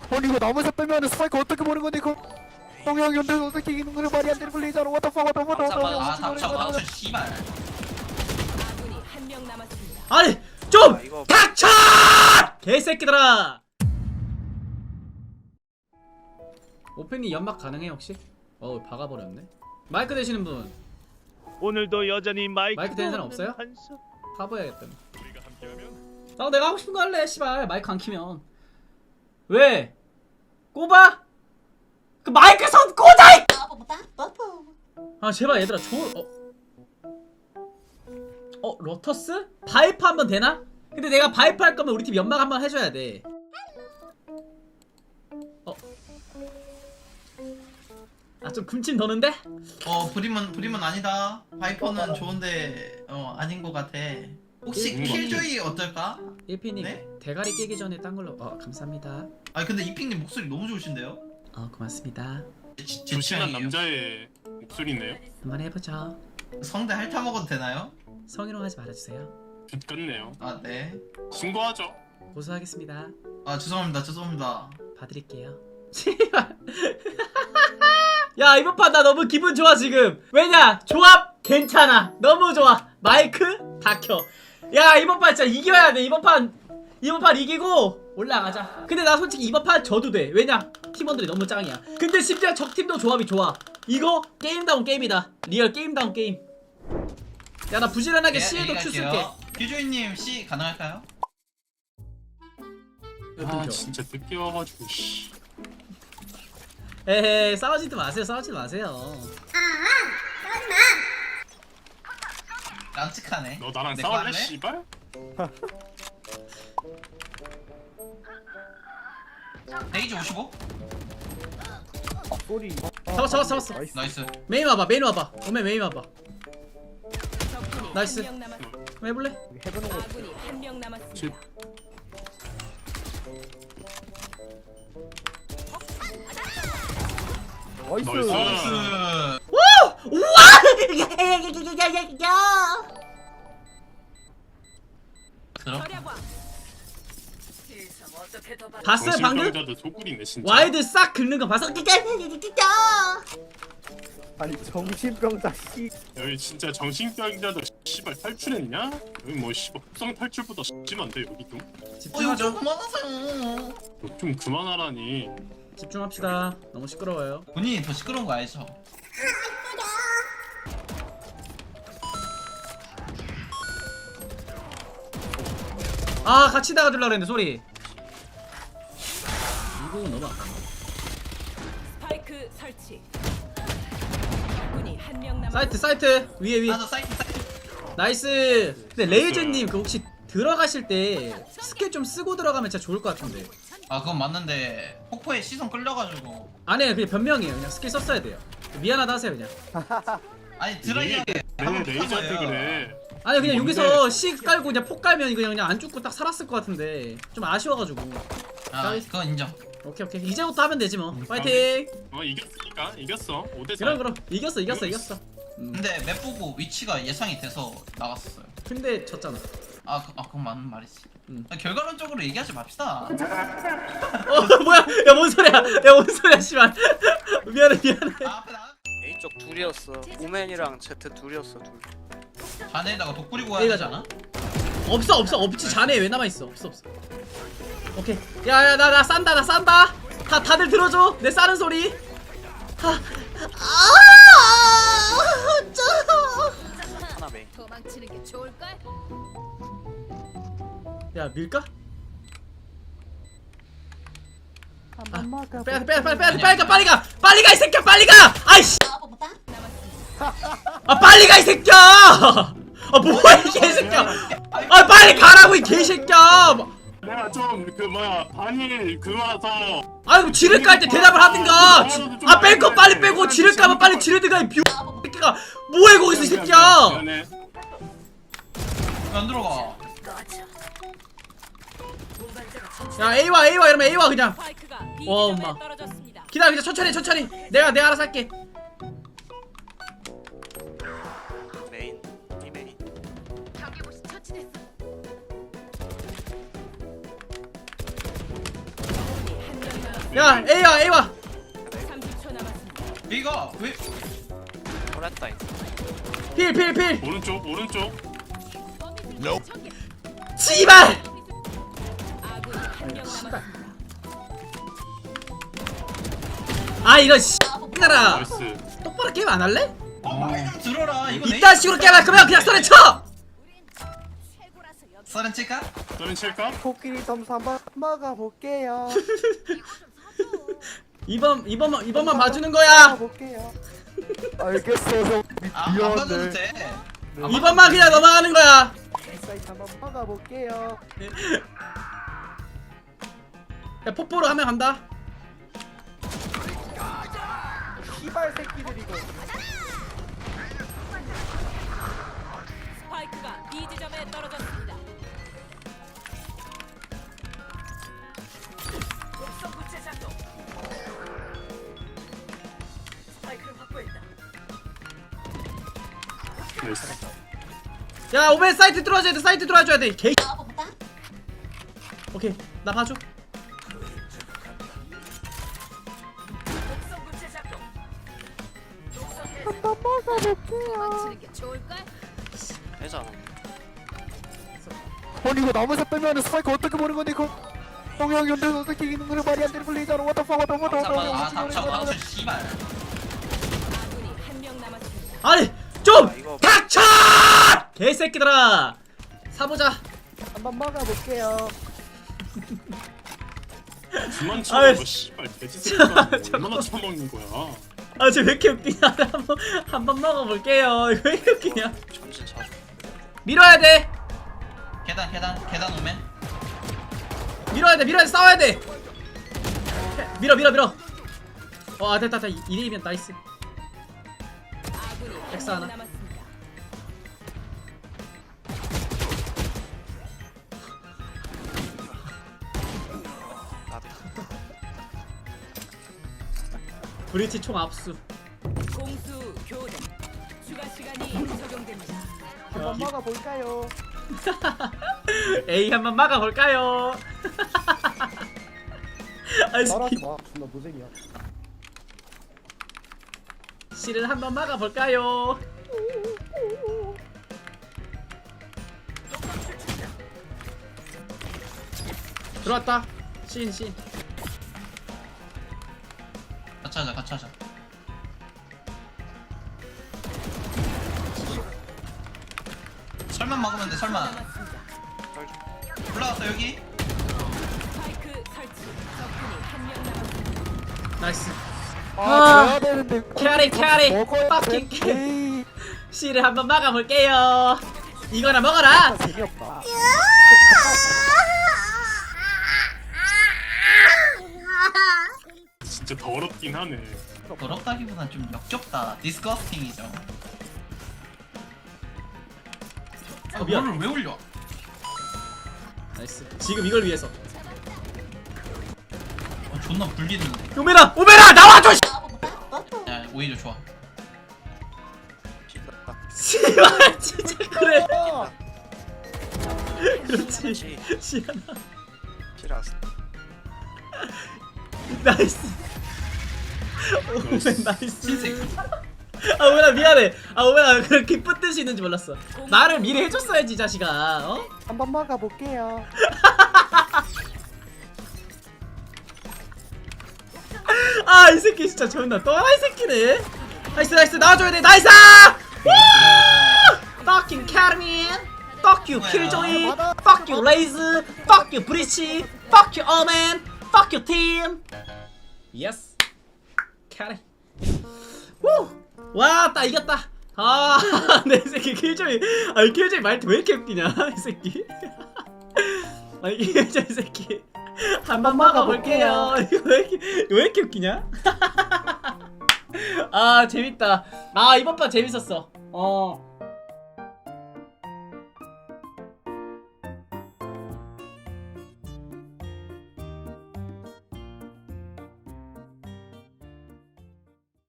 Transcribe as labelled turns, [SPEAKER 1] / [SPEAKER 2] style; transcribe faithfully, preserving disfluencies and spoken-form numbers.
[SPEAKER 1] 아니 이거 나무에서 빼면 스파이크 어떻게 보는 건데 이거? 동영 연대 어떻게 이기는 거를 말이 안 되는 걸 리자로 what the fuck what the fuck
[SPEAKER 2] 아 닥쳐 닥쳐 씨발.
[SPEAKER 3] 아군이 한 명 남았습니다.
[SPEAKER 4] 아니 좀
[SPEAKER 5] 아, 이거-
[SPEAKER 4] 닥쳐! 개새끼들아. 오펜이 연막 가능해 혹시? 어우 박아버렸네. 마이크 되시는 분
[SPEAKER 6] 오늘도 여전히 마이크
[SPEAKER 4] 마이크 되는 사람 없어요?
[SPEAKER 6] 한수.
[SPEAKER 4] 가봐야겠다. 아 내가 하고 싶은 거 할래. 씨발 마이크 안 키면 왜? 꼽아? 그 마이크 선 꽂아! 이- 아 제발 얘들아 저 어. 어 로터스? 바이프 한번 되나? 근데 내가 바이프 할 거면 우리 팀 연막 한번 해줘야 돼. 어. 아 좀 금침 도는데?
[SPEAKER 2] 어 브림은 브림은 아니다. 바이퍼는 좋은데 어 아닌 것 같아. 혹시
[SPEAKER 4] 음.
[SPEAKER 2] 킬조이 어떨까?
[SPEAKER 4] 일피님
[SPEAKER 2] 네?
[SPEAKER 4] 대가리 깨기 전에 딴 걸로. 어 감사합니다.
[SPEAKER 2] 아 근데 이핑님 목소리 너무 좋으신데요?
[SPEAKER 4] 어 고맙습니다.
[SPEAKER 2] 제, 제
[SPEAKER 7] 조신한
[SPEAKER 2] 취향이에요.
[SPEAKER 7] 남자의 목소리네요.
[SPEAKER 4] 한번 해보죠.
[SPEAKER 2] 성대 핥아 먹어도 되나요?
[SPEAKER 4] 성희롱하지 말아주세요.
[SPEAKER 7] 좋겠네요.
[SPEAKER 2] 아 네.
[SPEAKER 7] 신고하죠.
[SPEAKER 4] 고소하겠습니다.
[SPEAKER 2] 아 죄송합니다 죄송합니다.
[SPEAKER 4] 봐드릴게요. 야 이번 판 나 너무 기분 좋아 지금. 왜냐 조합 괜찮아. 너무 좋아. 마이크 다 켜. 야 이번 판 진짜 이겨야 돼. 이번 판 이번 판 이기고 올라가자. 근데 나 솔직히 이번 판 져도 돼. 왜냐 팀원들이 너무 짱이야. 근데 심지어 적팀도 조합이 좋아. 이거 게임다운 게임이다. 리얼 게임다운 게임. 야 나 부지런하게
[SPEAKER 2] 네,
[SPEAKER 4] C에도 Q 쓸게.
[SPEAKER 2] 킬조이님 C 가능할까요?
[SPEAKER 7] 아 진짜 늦게 와가지고 씨.
[SPEAKER 4] 에헤 싸우지도 마세요. 싸우지 마세요.
[SPEAKER 2] 깜찍하네.
[SPEAKER 7] 너 나랑
[SPEAKER 2] 내거
[SPEAKER 7] 싸울래
[SPEAKER 2] 할래?
[SPEAKER 7] 씨발?
[SPEAKER 2] 레이즈 오십오?
[SPEAKER 1] 소리
[SPEAKER 4] 잡았어 잡았어 잡았어.
[SPEAKER 1] 나이스.
[SPEAKER 2] 나이스.
[SPEAKER 4] 메인 와봐 메인 와봐. 오메 메인 와봐.
[SPEAKER 3] 적군이
[SPEAKER 4] 나이스.
[SPEAKER 3] 한 명 남았습니다.
[SPEAKER 4] 한번 해볼래?
[SPEAKER 1] 해보는 거
[SPEAKER 3] 아군이 한 명 남았습니다.
[SPEAKER 1] 나이스
[SPEAKER 7] 나이스.
[SPEAKER 2] 나이스.
[SPEAKER 4] 우와!
[SPEAKER 2] 들어?
[SPEAKER 3] 절약왕.
[SPEAKER 4] 봤어요 방금?
[SPEAKER 7] 정신병자도 소굴이네 진짜.
[SPEAKER 4] 와이드 싹 긁는 거 봤어?
[SPEAKER 1] 아니 정신병자 씨
[SPEAKER 7] 여기 진짜 정신병자도 씨발 탈출했냐? 여기 뭐 씨발 국성 탈출보다 심한데 여기 좀.
[SPEAKER 2] 어 이거
[SPEAKER 4] 집중하죠.
[SPEAKER 2] 좀 그만하세요.
[SPEAKER 7] 너좀 그만하라니.
[SPEAKER 4] 집중합시다. 너무 시끄러워요.
[SPEAKER 2] 본인이 더 시끄러운 거 알죠?
[SPEAKER 4] 아 같이 나가주려고 했는데 소리. 이거 너무 아깝네.
[SPEAKER 3] 스파이크 설치. 적군이 한 명 남았습니다.
[SPEAKER 4] 사이트 사이트 위에 위에.
[SPEAKER 2] 나도 사이트 사이트.
[SPEAKER 4] 나이스. 근데 레이즈님 그 혹시 들어가실 때 스킬 좀 쓰고 들어가면 진짜 좋을 것 같은데.
[SPEAKER 2] 아 그건 맞는데 폭포에 시선 끌려가지고.
[SPEAKER 4] 아니에요 그냥 변명이에요. 그냥 스킬 썼어야 돼요. 미안하다 하세요 그냥.
[SPEAKER 2] 아니 드라이하게
[SPEAKER 7] 내 레이저한테 그래.
[SPEAKER 4] 아니 그냥
[SPEAKER 7] 뭔데?
[SPEAKER 4] 여기서 C 깔고 그냥 폭 깔면 이거 그냥 안 죽고 딱 살았을 것 같은데 좀 아쉬워가지고.
[SPEAKER 2] 아 그건 인정.
[SPEAKER 4] 오케이 오케이 이제부터 하면 되지 뭐. 파이팅.
[SPEAKER 7] 어 이겼으니까 이겼어. 오 대 사.
[SPEAKER 4] 그럼 그럼 이겼어 이겼어 이겼어. 음.
[SPEAKER 2] 근데 맵 보고 위치가 예상이 돼서 나갔었어요.
[SPEAKER 4] 근데 졌잖아.
[SPEAKER 2] 아, 그, 아 그건 맞는 말이지.
[SPEAKER 4] 음.
[SPEAKER 2] 아, 결과론적으로 얘기하지 맙시다.
[SPEAKER 4] 어 뭐야? 야 뭔 소리야? 야 뭔 소리야 씨발. 미안해 미안해.
[SPEAKER 2] 아, 앞에 나
[SPEAKER 5] A 쪽 둘이었어. 오맨이랑 제트 둘이었어 둘.
[SPEAKER 2] 자네에다가 독 뿌리고
[SPEAKER 4] A
[SPEAKER 2] 가야
[SPEAKER 4] 가잖아. 없어 없어 없지. 자네 왜 남아 있어? 없어 없어. 오케이. 야야 나 나 싼다 나 싼다. 다 다들 들어줘. 내 싸는 소리. 하.
[SPEAKER 5] 하나 메인.
[SPEAKER 3] 도망치는 게 좋을걸?
[SPEAKER 4] 야 밀까?
[SPEAKER 1] 한번 막아
[SPEAKER 4] 빼야 돼 빼야 돼 빨리 빼야 돼 빨리 가 빨리 가 빨리 가 이 새끼야 빨리 가. 아이씨. 아 빨리 가 이 새끼야. 아 뭐야 이 개새끼야. 아 빨리 가라고 이 개새끼야.
[SPEAKER 7] 내가 좀 그 뭐야 반일 그거라서.
[SPEAKER 4] 아이고 지를 깔 때 대답을 하든가. 아 뺄 거 빨리 빼고 지를 까면 빨리 지르든가 이 비. 새끼가 뭐해 거기서 이 새끼야.
[SPEAKER 7] 미안해.
[SPEAKER 2] 안 들어가.
[SPEAKER 4] 야 A 와 A 와 이러면 A 와 그냥.
[SPEAKER 3] 스파이크가 B
[SPEAKER 4] 와,
[SPEAKER 3] 지점에
[SPEAKER 4] 엄마.
[SPEAKER 3] 떨어졌습니다.
[SPEAKER 4] 기다려 기다려 천천히 천천히. 내가 내가 알아서 할게.
[SPEAKER 5] 메인. 이 메인.
[SPEAKER 3] 적군이 한 명 남았습니다.
[SPEAKER 4] 야 A와 A와
[SPEAKER 3] 삼십 초 남았습니다.
[SPEAKER 2] 이거 왜
[SPEAKER 5] 보냈다 이거.
[SPEAKER 4] 필필필
[SPEAKER 7] 오른쪽 오른쪽.
[SPEAKER 4] 씨발
[SPEAKER 3] 아군이 한명 남았습니다.
[SPEAKER 4] 아 이런 씨X들아
[SPEAKER 7] 나이스.
[SPEAKER 4] 똑바로 게임 안 할래?
[SPEAKER 2] 어, 말 좀 들어라. 이거
[SPEAKER 4] 이딴 식으로 게임할 거면 그냥 썰에 쳐!
[SPEAKER 2] 서른 칠까?
[SPEAKER 7] 너는 칠까?
[SPEAKER 1] 코끼리 점수 한번 먹어볼게요.
[SPEAKER 4] 이번 이번만 이번만 봐주는 거야.
[SPEAKER 1] 먹어볼게요. 알겠어 형.
[SPEAKER 2] 아, 안 봐줘도
[SPEAKER 1] 미안해.
[SPEAKER 2] 돼.
[SPEAKER 4] 이번만 그냥 넘어가는 거야.
[SPEAKER 1] 사이트 한번 먹어볼게요.
[SPEAKER 4] 야 폭포로 하면 간다.
[SPEAKER 1] 시발 새끼들 이거.
[SPEAKER 3] 스파이크가 B 지점에 떨어졌습니다. 독성 구체 작동. 스파이크를 확보했다.
[SPEAKER 7] 나이스.
[SPEAKER 4] 야 오멘 사이트 들어와줘야 돼. 사이트 들어와줘야 돼. 개. 오케이 나 봐줘.
[SPEAKER 3] 독성 구체 작동.
[SPEAKER 1] 한번 먹어볼게요.
[SPEAKER 3] 맞히는 게 좋을까?
[SPEAKER 5] 되잖아.
[SPEAKER 1] 아니 이거 나무에서 빼면은 스파이크 어떻게 보는 건데 이거? 동영 연대에서 어떻게 이기는 거를 말이 안 되는 플레이잖아. What the fuck, what the fuck, what the
[SPEAKER 2] 아,
[SPEAKER 1] fuck.
[SPEAKER 2] 닥쳐, 닥쳐, 씨발.
[SPEAKER 3] 아군이 한명 남았습니다.
[SPEAKER 4] 아니 좀
[SPEAKER 5] 아, 이거-
[SPEAKER 4] 닥쳐! 개새끼들아. 사보자.
[SPEAKER 1] 한번 먹어볼게요.
[SPEAKER 7] 그만
[SPEAKER 4] 아이,
[SPEAKER 7] 쳐먹어 씨발 돼지 새끼가
[SPEAKER 4] 저-
[SPEAKER 7] 얼마나 쳐먹는 거야.
[SPEAKER 4] 아 쟤 왜 이렇게 웃기냐. 한번 한번 먹어볼게요. 이거 왜 이렇게 웃기냐.
[SPEAKER 5] 전진 자주.
[SPEAKER 4] 밀어야 돼.
[SPEAKER 2] 계단, 계단, 계단 오면.
[SPEAKER 4] 밀어야 돼. 밀어야 돼. 싸워야 돼. 밀어 밀어 밀어. 어 아, 됐다 됐다. 이 대이면 나이스.
[SPEAKER 3] 아군이
[SPEAKER 4] 엑스
[SPEAKER 3] 한명
[SPEAKER 4] 하나.
[SPEAKER 3] 남았습니다.
[SPEAKER 5] 나도.
[SPEAKER 4] 브리티 총 압수.
[SPEAKER 3] 공수 교대. 추가 시간이 적용됩니다.
[SPEAKER 1] 한번 먹어볼까요?
[SPEAKER 4] 에이 한번 막아볼까요? 아,
[SPEAKER 1] 따라하지
[SPEAKER 4] 씨,
[SPEAKER 1] 마. 존나 무색이야.
[SPEAKER 4] 씨를 한번 막아볼까요? 들어왔다. 신 신.
[SPEAKER 2] 같이 하자, 같이 하자. 설만 먹으면 돼, 설만.
[SPEAKER 3] 남았습니다.
[SPEAKER 2] 올라왔어, 여기.
[SPEAKER 3] 스파이크 설치. 적군이 한명 남았습니다.
[SPEAKER 4] 나이스.
[SPEAKER 1] 아,
[SPEAKER 4] 아,
[SPEAKER 1] 져야 되는데.
[SPEAKER 4] 캐리, 캐리.
[SPEAKER 1] 먹어야
[SPEAKER 4] 빡킹
[SPEAKER 1] 돼.
[SPEAKER 4] 캐리.
[SPEAKER 1] 에이,
[SPEAKER 4] 씨를 한번 막아볼게요. 이거나 먹어라.
[SPEAKER 1] 재미없다.
[SPEAKER 7] 진짜 더럽긴 하네.
[SPEAKER 2] 더럽다기보단 좀 역겹다. 디스커스팅이죠. 아,
[SPEAKER 4] 어, 미안.
[SPEAKER 2] 뭐를 왜 올려?
[SPEAKER 4] 나이스. 지금 이걸 위해서.
[SPEAKER 2] 어, 존나 불리는데.
[SPEAKER 4] 오메라, 오메라 나와줘. 씨.
[SPEAKER 2] 야, 오히려 좋아.
[SPEAKER 5] 찔렀다.
[SPEAKER 4] 씨발 진짜 그래.
[SPEAKER 1] 아,
[SPEAKER 4] 그렇지.
[SPEAKER 5] 그렇지.
[SPEAKER 4] 시연아.
[SPEAKER 5] 필요했어.
[SPEAKER 4] 나이스. 오멘 나이스.
[SPEAKER 2] 신세계.
[SPEAKER 4] 아 오메라 미안해. 아 오메라 그런 기쁜 뜻이 있는지 몰랐어. 말을 미리 해줬어야지 자식아. 어?
[SPEAKER 1] 한번 먹어볼게요.
[SPEAKER 4] 아 이 새끼 진짜 존나 또라이 새끼네. 나이스 나이스 나와줘야 돼. 나이스. Fucking Carmen. Fuck you Killjoy. Fuck you Laze. Fuck you Breach. Fuck you Omen. Fuck you Team. Yes. 캐리. 와, 딱 이겼다. 아, 내 새끼 킬조이. 아, 이 킬조이 말투 왜 이렇게 웃기냐, 이 새끼. 아, 이 킬조이 새끼. 한번 먹어볼게요. 이거 왜 이렇게 왜 이렇게 웃기냐? 아, 재밌다. 아, 이번 판 재밌었어. 어.